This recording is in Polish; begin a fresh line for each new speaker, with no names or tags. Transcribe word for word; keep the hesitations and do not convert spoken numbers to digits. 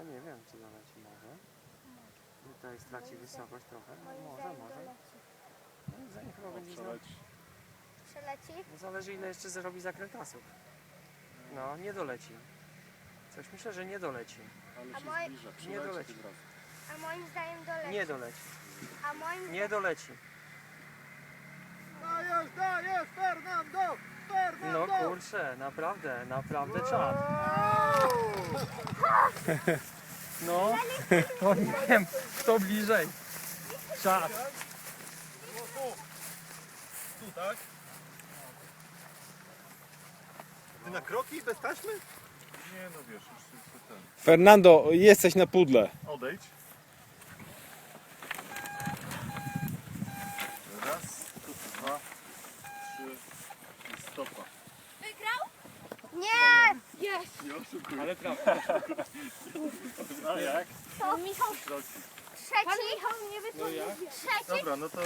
No nie wiem, czy doleci może. Tutaj straci wysokość trochę. No,
Moim
może,
zdaniem
może.
doleci.
Moim zdaniem chyba
O,
będzie znowu.
przeleci.
Przeleci?
No, zależy ile jeszcze zrobi zakrętasów. No, nie doleci. Coś myślę, że nie doleci.
Ale
A
się
moi-
zbliża.
Nie
Przeleci
doleci.
tym razem.
A moim zdaniem doleci.
Nie doleci.
A moim
Nie doleci.
Dajesz, dajesz, Fernando!
No
Fernando!
kurczę, naprawdę, naprawdę czad. No, to nie wiem, kto bliżej. Czad.
Tu, tak? Ty na kroki bez taśmy?
Nie no wiesz, już tylko ten.
Fernando, jesteś na pudle.
Odejdź. Raz, dwa, trzy i stopa.
Wygrał? Nie! Jest!
Nie oszukuj.
Ale prawda.
A jak?
To Michał
Kroki.
trzeci. Pan Michał nie
No jak?
Trzeci.
Dobra, no to